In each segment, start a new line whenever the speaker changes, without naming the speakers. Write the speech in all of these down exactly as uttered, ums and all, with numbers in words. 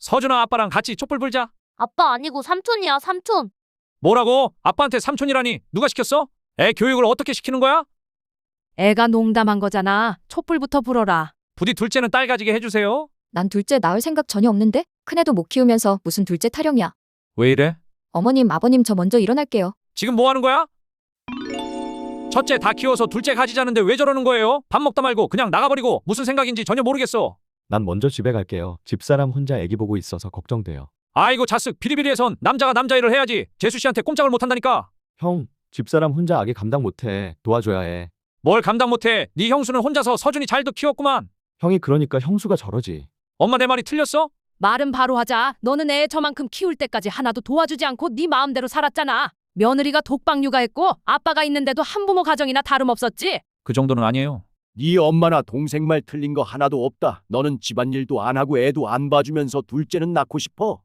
서준아 아빠랑 같이 촛불 불자.
아빠 아니고 삼촌이야, 삼촌.
뭐라고? 아빠한테 삼촌이라니 누가 시켰어? 애 교육을 어떻게 시키는 거야?
애가 농담한 거잖아. 촛불부터 불어라.
부디 둘째는 딸 가지게 해주세요.
난 둘째 낳을 생각 전혀 없는데? 큰애도 못 키우면서 무슨 둘째 타령이야.
왜 이래?
어머님, 아버님 저 먼저 일어날게요.
지금 뭐 하는 거야? 첫째 다 키워서 둘째 가지자는데 왜 저러는 거예요? 밥 먹다 말고 그냥 나가버리고 무슨 생각인지 전혀 모르겠어.
난 먼저 집에 갈게요. 집사람 혼자 애기 보고 있어서 걱정돼요.
아이고 자쓱 비리비리해선 남자가 남자 일을 해야지. 재수 씨한테 꼼짝을 못한다니까.
형, 집사람 혼자 아기 감당 못해. 도와줘야 해.
뭘 감당 못해. 네 형수는 혼자서 서준이 잘도 키웠구만.
형이 그러니까 형수가 저러지.
엄마 내 말이 틀렸어?
말은 바로 하자. 너는 애 저만큼 키울 때까지 하나도 도와주지 않고 네 마음대로 살았잖아. 며느리가 독박 육아했고 아빠가 있는데도 한부모 가정이나 다름없었지.
그 정도는 아니에요.
네 엄마나 동생 말 틀린 거 하나도 없다. 너는 집안일도 안 하고 애도 안 봐주면서 둘째는 낳고 싶어?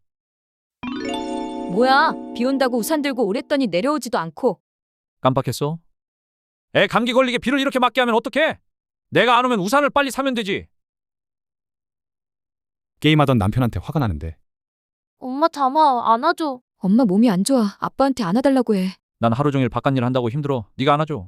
뭐야, 비 온다고 우산 들고 오랬더니 내려오지도 않고.
깜빡했어? 애 감기 걸리게 비를 이렇게 맞게 하면 어떡해? 내가 안 오면 우산을 빨리 사면 되지.
게임하던 남편한테 화가 나는데
엄마 잠아, 안아줘.
엄마 몸이 안 좋아. 아빠한테 안아달라고 해.
난 하루 종일 바깥일 한다고 힘들어. 네가 안아줘.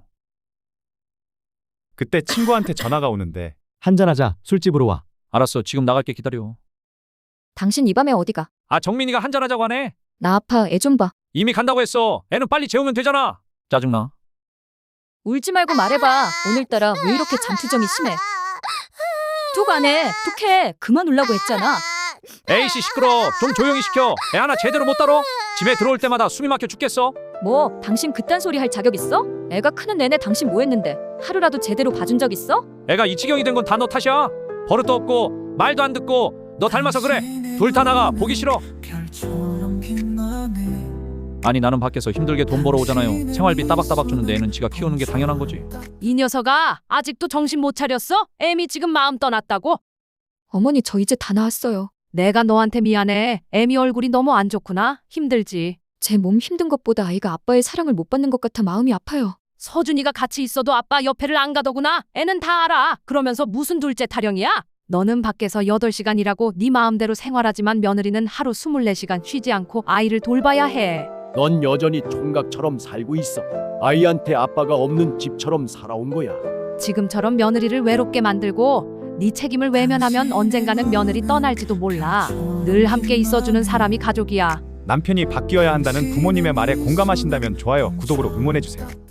그때 친구한테 전화가 오는데
한잔하자. 술집으로 와.
알았어. 지금 나갈게. 기다려.
당신 이 밤에 어디가?
아 정민이가 한잔하자고 하네.
나 아파. 애 좀 봐.
이미 간다고 했어. 애는 빨리 재우면 되잖아. 짜증나.
울지 말고 말해봐. 오늘따라 왜 이렇게 잠투정이 심해? 툭 안 해. 툭 해. 그만 울라고 했잖아.
에이씨 시끄러. 좀 조용히 시켜. 애 하나 제대로 못 다뤄? 집에 들어올 때마다 숨이 막혀 죽겠어.
뭐, 당신 그딴 소리 할 자격 있어? 애가 크는 내내 당신 뭐 했는데? 하루라도 제대로 봐준 적 있어?
애가 이 지경이 된 건 다 너 탓이야. 버릇도 없고 말도 안 듣고 너 닮아서 그래. 둘 다 나가. 보기 싫어. 아니 나는 밖에서 힘들게 돈 벌어오잖아요. 생활비 따박따박 주는데 애는 지가 키우는 게 당연한 거지.
이 녀석아 아직도 정신 못 차렸어? 애미 지금 마음 떠났다고?
어머니, 저 이제 다 나았어요.
내가 너한테 미안해. 애미 얼굴이 너무 안 좋구나. 힘들지.
제 몸 힘든 것보다 아이가 아빠의 사랑을 못 받는 것 같아 마음이 아파요.
서준이가 같이 있어도 아빠 옆에를 안 가더구나. 애는 다 알아. 그러면서 무슨 둘째 타령이야? 너는 밖에서 여덟 시간 일하고 네 마음대로 생활하지만 며느리는 하루 스물네 시간 쉬지 않고 아이를 돌봐야 해.
넌 여전히 총각처럼 살고 있어. 아이한테 아빠가 없는 집처럼 살아온 거야.
지금처럼 며느리를 외롭게 만들고 네 책임을 외면하면 언젠가는 며느리 떠날지도 몰라. 늘 함께 있어주는 사람이 가족이야.
남편이 바뀌어야 한다는 부모님의 말에 공감하신다면 좋아요, 구독으로 응원해주세요.